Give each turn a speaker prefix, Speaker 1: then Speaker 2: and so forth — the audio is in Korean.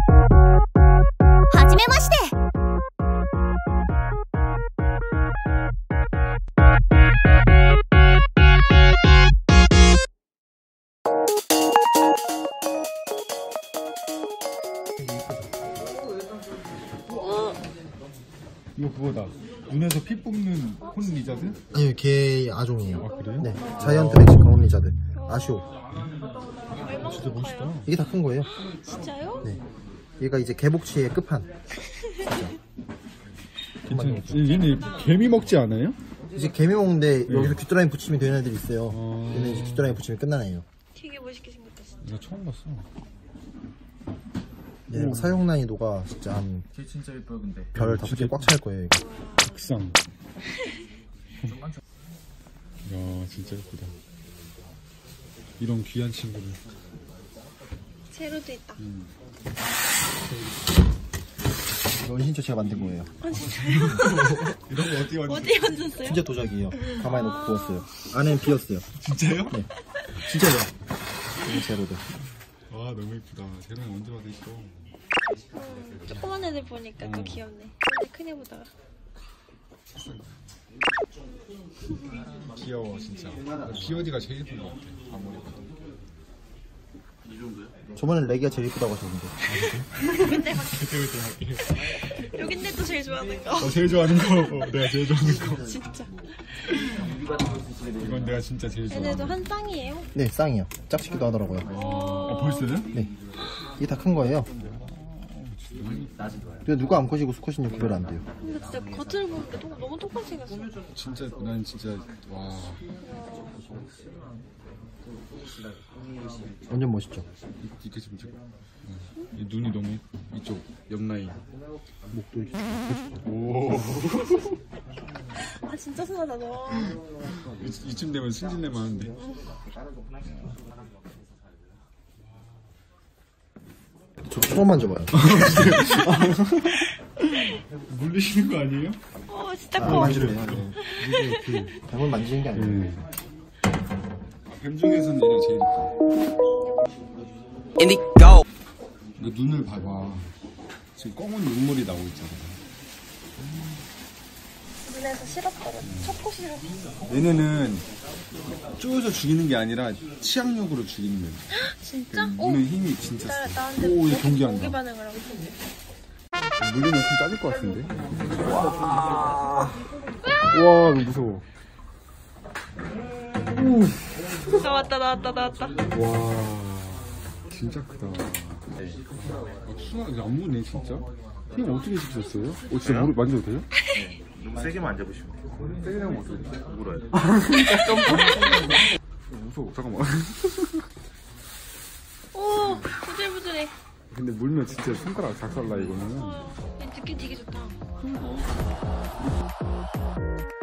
Speaker 1: 이거 그거다. 눈에서 피 뽑는 혼 리자드?
Speaker 2: 아니요, 걔 아종이에요.
Speaker 1: 아, 그래요?
Speaker 2: 네, 자이언트 멕시칸 혼 리자드. 아쇼.
Speaker 1: 진짜 멋있다.
Speaker 2: 이게 다 큰 거예요.
Speaker 3: 진짜요?
Speaker 2: 네. 얘가 이제 개복치의 끝판.
Speaker 1: 진짜. 얘네 개미 먹지 않아요?
Speaker 2: 이제 개미 먹는데
Speaker 1: 네.
Speaker 2: 여기서 귀뚜라미 붙이면 되는 애들이 있어요. 얘는 이제 귀뚜라미 붙이면 끝나는 애예요.
Speaker 3: 되게 멋있게 생겼다 진짜.
Speaker 1: 내가 처음 봤어.
Speaker 2: 얘 사용 난이도가 진짜 한
Speaker 4: 걔 진짜 예뻐요 근데.
Speaker 2: 별 5개 꽉 찰 거예요, 이거.
Speaker 1: 극상. 야, 진짜 예쁘다. 이런 귀한 친구를.
Speaker 3: 세로도 있다.
Speaker 2: 이건 진짜 제가 만든 거예요.
Speaker 3: 아 진짜요?
Speaker 1: 이런 거 어디
Speaker 3: 어디 얹었어요?
Speaker 2: 진짜 도자기예요. 가만히 놓고 구웠어요. 안에는 비었어요.
Speaker 1: 진짜요?
Speaker 2: 네. 진짜요. 이게 제로드.
Speaker 1: 와, 너무 예쁘다. 쟤는 언제 받으시죠?
Speaker 3: 조그만 애들 보니까 또 귀엽네. 근데 큰 애보다가.
Speaker 1: 귀여워, 진짜. POD가 제일 예쁜 것 같아. 아무리 봐도.
Speaker 2: 저번에 레기가 제일 이쁘다고 하셨는데.
Speaker 3: 여긴데 또 제일 좋아하는 거.
Speaker 1: 제일 좋아하는 거. 내가 제일 좋아하는 거.
Speaker 3: 진짜.
Speaker 1: 이건 내가 진짜 제일 좋아하는
Speaker 3: 얘네도
Speaker 1: 거.
Speaker 3: 한 쌍이에요.
Speaker 2: 네, 쌍이요. 짝짓기도 하더라고요.
Speaker 1: 벌써요?
Speaker 2: 네. 이게 다 큰 거예요. 근데 누가 암컷이고 수컷인지 구별 안 돼요.
Speaker 3: 근데 진짜 겉을 보니까 너무 똑같이 생겼어.
Speaker 1: 진짜, 난 진짜, 와.
Speaker 2: 완전 멋있죠.
Speaker 1: 이렇게 좀 찍어. 이 눈이 너무 이쪽 옆라인.
Speaker 2: 목도 이렇게.
Speaker 1: 오.
Speaker 3: 아 진짜 순하다 너.
Speaker 1: 이쯤 되면 승진내만 하는데.
Speaker 2: 저 처음 만져봐요.
Speaker 1: 물리시는 거 아니에요?
Speaker 3: 진짜 커.
Speaker 2: 만지래요. 이게 그 뱀을 만지는 게 아니에요.
Speaker 1: 뱀 중에서는 얘가 제일 이뻐.
Speaker 5: Indigo.
Speaker 1: 너 눈을 봐봐. 지금 검은 눈물이 나오고 있잖아.
Speaker 3: 눈에서 실었거든. 첫코 실었어.
Speaker 1: 얘네는 쪼여서 죽이는 게 아니라 치악력으로 죽이는 거야.
Speaker 3: 진짜?
Speaker 1: 눈의 힘이 진짜 세.
Speaker 3: 나한테
Speaker 1: 오, 얘
Speaker 3: 공기
Speaker 1: 경기한다.
Speaker 3: 반응을 하고 있는데.
Speaker 1: 물리면 좀 짜질 것 같은데? 와, 너무 무서워.
Speaker 3: 나왔다.
Speaker 1: 와, 진짜 크다. 수학 안 무네, 진짜. 힘 어떻게 시켰어요? 진짜 만져도 돼요?
Speaker 4: 네. 너무 세게만 안 잡으시면 돼요.
Speaker 1: 세게 하면 어떻게 돼?
Speaker 4: 물어야 돼.
Speaker 1: 무서워, 잠깐만.
Speaker 3: 오 부들부들해.
Speaker 1: 근데 물면 진짜 손가락 작살나, 이거는.
Speaker 3: 느낌 되게 좋다.